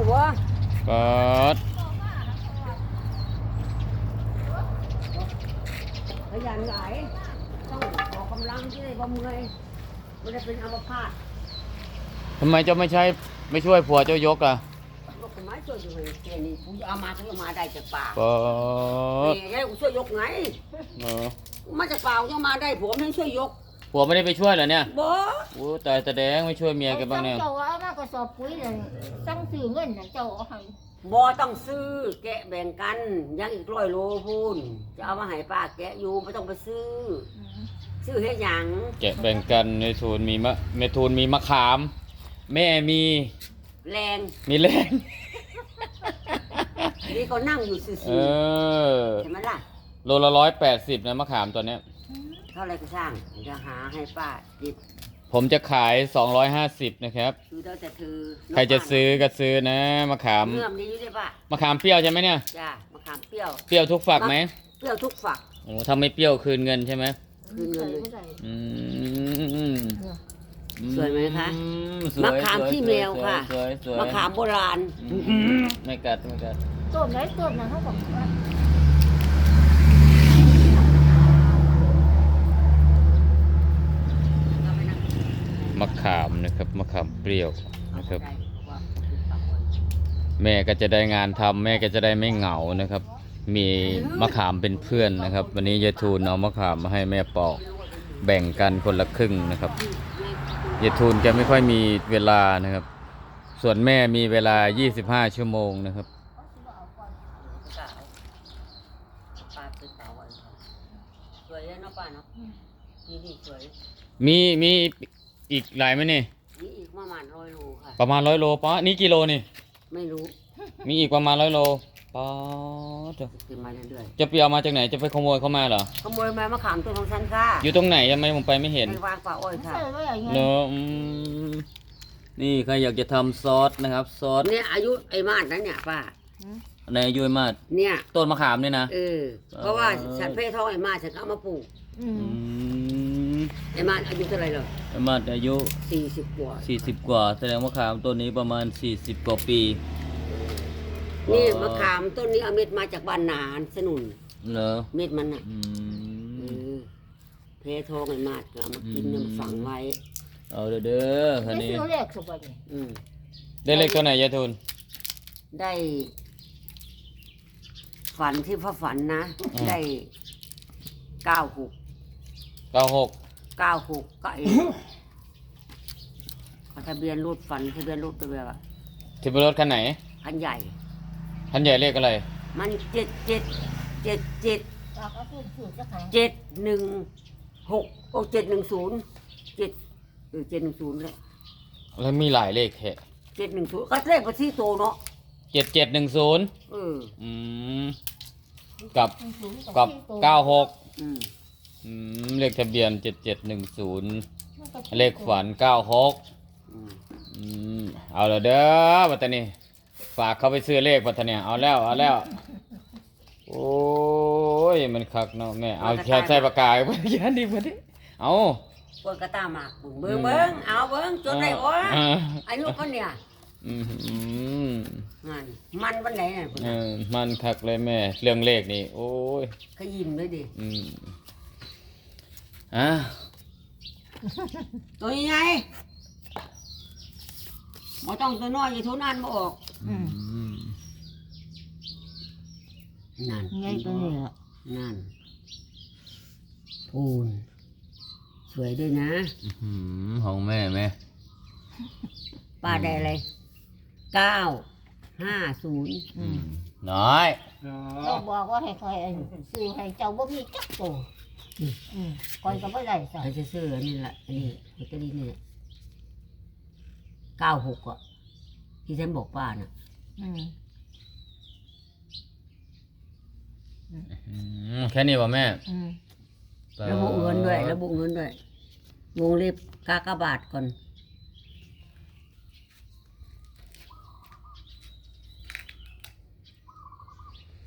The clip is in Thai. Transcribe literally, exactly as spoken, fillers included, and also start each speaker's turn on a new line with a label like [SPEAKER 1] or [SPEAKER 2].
[SPEAKER 1] วะ
[SPEAKER 2] เปิด
[SPEAKER 1] ขยันหลายต้องออกกำลังที่ได้บ่เมื่อยไม่ได้เป็นอัมพาต
[SPEAKER 2] ทำไมเจ้าไม่ใช้ไม่ช่วยผัวเจ้ายกล่ะ
[SPEAKER 1] ยกไม้ช่วยอยู่เลยแค่นี้กูเอามาทั้งมาได้จากป่า
[SPEAKER 2] เปิด
[SPEAKER 1] นี่ให้กูช่วยยกไง
[SPEAKER 2] เออ
[SPEAKER 1] มาจากป่าจะมาได้ผัวไม่ช่วยยก
[SPEAKER 2] ผัวไม่ได้ไปช่วยเหรอเนี่ย
[SPEAKER 1] บ่
[SPEAKER 2] โอ้ตายแสดงไม่ช่วยเมียกันบ้างเนี่ย
[SPEAKER 3] เจ้าเอามากระสอบปุ๋ยเลยตั้งซื้อเงินเจ้าเอาให้
[SPEAKER 1] บ่ต้องซื้อแกะแบ่งกันยังอีกร้อยโลพูนจะเอามาให้ป้าแกะอยู่ไม่ต้องไปซื้อซื้อให้หยัง
[SPEAKER 2] แกะแบ่งกันในทูนมีมะเมทูนมีมะขามแม่มี
[SPEAKER 1] แรง
[SPEAKER 2] มีแรง
[SPEAKER 1] นี่ก็นั่งอยู่ซื่อๆเห็นไหมล่ะ
[SPEAKER 2] โลละร้อยแปดสิบนะมะขามตัวเนี้ย
[SPEAKER 1] เท่าไรก็ช่างจะหาให้ป้าดิบ
[SPEAKER 2] ผมจะขายสองร้อยห้าสิบนะครับ
[SPEAKER 1] คือเราจะถือ
[SPEAKER 2] ใครจะซื้อก็ซื้อนะมะขาม
[SPEAKER 1] เนื่อมนี้ได้ป่ะ
[SPEAKER 2] มะขามเปรี้ยวใช่ไหมเนี่ย
[SPEAKER 1] จ้ามะขามเปรี้ยว
[SPEAKER 2] เปรี้ยวทุกฝักไหม
[SPEAKER 1] เปรี้ยวทุกฝัก
[SPEAKER 2] โอ้ถ้าไม่เปรี้ยวคืนเงินใช่ไหม
[SPEAKER 1] คืนเงินเลย
[SPEAKER 2] อืม
[SPEAKER 1] สวยไหมคะมะขามที่แมวค่ะมะขามโบราณ
[SPEAKER 2] ไม่กัดไม่กัด
[SPEAKER 3] ต้นไหนต้นนั้นเขาบอกว่
[SPEAKER 2] ามะขามนะครับมะขามเปรี้ยวนะครับแม่ก็จะได้งานทำแม่ก็จะได้ไม่เหงานะครับมีมะขามเป็นเพื่อนนะครับวันนี้ยายทูลเอามะขามมาให้แม่ปอกแบ่งกันคนละครึ่งนะครับยายทูลแกไม่ค่อยมีเวลานะครับส่วนแม่มีเวลายี่สิบห้าชั่วโมงนะครับ
[SPEAKER 1] สวยเนาะป้าเนาะนี่สวย
[SPEAKER 2] มีมีอีกหลายไหมนี่
[SPEAKER 1] มีอีกประมาณร้อยโลค่ะ
[SPEAKER 2] ประมาณร้อยโลป้านี่กิโลนี่
[SPEAKER 1] ไม่รู้
[SPEAKER 2] มีอีกประมาณร้อยโลป้าจะ
[SPEAKER 1] มาเรื่อย
[SPEAKER 2] ๆจะเปียวมาจากไหนจะไปขโมยเข้ามาเหรอ
[SPEAKER 1] ขโมยมามะขามต้นของฉันค่ะ
[SPEAKER 2] อยู่ตรงไหนทำไมผมไปไม่เห็น
[SPEAKER 1] วางป่าอ้อยค่ะ
[SPEAKER 2] เนอะนี่ใครอยากจะทำซอสนะครับซอส
[SPEAKER 1] เนี่ยอายุไอ้มาดนั้นเนี่ยป้า
[SPEAKER 2] ในอายุไอ้มาด
[SPEAKER 1] เนี่ย
[SPEAKER 2] ต้นมะขามเนี่ยนะ
[SPEAKER 1] เออเพราะว่าฉันเพ่ท้องไอ้มาดฉันก็เอามาปลูกไอ้มาดอายุเท่าไรเหรอ
[SPEAKER 2] ไอ้มาดอายุ
[SPEAKER 1] สี่สิบกว่า
[SPEAKER 2] สี่สิบกว่าแสดงมะขามต้นนี้ประมาณสี่สิบกว่าปี
[SPEAKER 1] นี่มะขามต้นนี้เอาเม็ดมาจากบ้านนานสนุน
[SPEAKER 2] เหรอ
[SPEAKER 1] เม็ดมันอ่ะเพ่ท้องไอ้มาดก็เอามากินเนี่ยมาฝังไว้
[SPEAKER 2] เอาเด้อเด้อคันนี้
[SPEAKER 3] ได้เลขสุดเลย
[SPEAKER 2] ได้เลขตัวไหนยายทุน
[SPEAKER 1] ได้ฝันที่พ่อฝันนะได้เก้าหก
[SPEAKER 2] เก้าหก
[SPEAKER 1] เก้าหกก็เองทะเบียนรถฝันทะเบียนรถตัวแบบ
[SPEAKER 2] ทะเบียนรถคันไหน
[SPEAKER 1] คันใหญ่
[SPEAKER 2] คันใหญ่เลขอะไร
[SPEAKER 1] มันเจ็ดเจ็ดเจ็ดเจ็ดเจ็ดหนึ่งหกโอ้เจ็ดหนึ่งศูนย์เจ็ดเออเจ็ดหนึ่งศูนย์เลย
[SPEAKER 2] แล้วมีหลายเลขแค่
[SPEAKER 1] เจ็ดหนึ่งศูนย์ก็เลขประที่โตเนาะ
[SPEAKER 2] เจ็ดเจ็ดหนึ่งศูนย์
[SPEAKER 1] เออ
[SPEAKER 2] อืมกับกับเก้าหกอืมอืมเลขทะเบียนเจ็ดเจ็ดหนึ่งศูนย์เลขฝันเก้าหกอืมเอาละเด้อปัตตานีฝากเขาไปซื้อเลขปัตตานีเอาแล้วเอาแล้วโอ้ยมันคักเนาะแม่เอาแค่ใส่ปากกาไปยันดีมาดิเอา
[SPEAKER 1] เปิดกระตาหมากเบิ้งเบิ้งเอาเบิ้งจนได้วะอายุคนเนี่ย
[SPEAKER 2] อืม
[SPEAKER 1] มันมันวันไหนเนี่ย
[SPEAKER 2] เออมันคักเลยแม่เรื่องเลขนี่โอ้ย
[SPEAKER 1] ขยิมเลยดิ
[SPEAKER 2] อืมอ่ะ
[SPEAKER 1] ตัวใหญ่บ่ต้องตัวน้อยอย่าทุนอันมาออกนั่น
[SPEAKER 3] ไงตัวนี้อ่ะ
[SPEAKER 1] นั่นพูนสวยด้วยนะ
[SPEAKER 2] ของแม่แม่
[SPEAKER 1] ป้าได้อะไรเก้าห้าศูนย์
[SPEAKER 2] น้อย
[SPEAKER 3] เราบอกว่าให้คอยซื้อให้เจ้าบ่มีจักโตคอยก็ไม่ได้ใส่
[SPEAKER 1] จะซื้ออันนี้แหละอันนี้ลอตเตอรี่นี่เก้าหกอ่ะที่ฉันบอกป้าน่ะ
[SPEAKER 2] แค่นี้ป่ะแม่
[SPEAKER 1] ระบุเงินด้วยระบุเงินด้วยวงเล็บกากบาทก่อน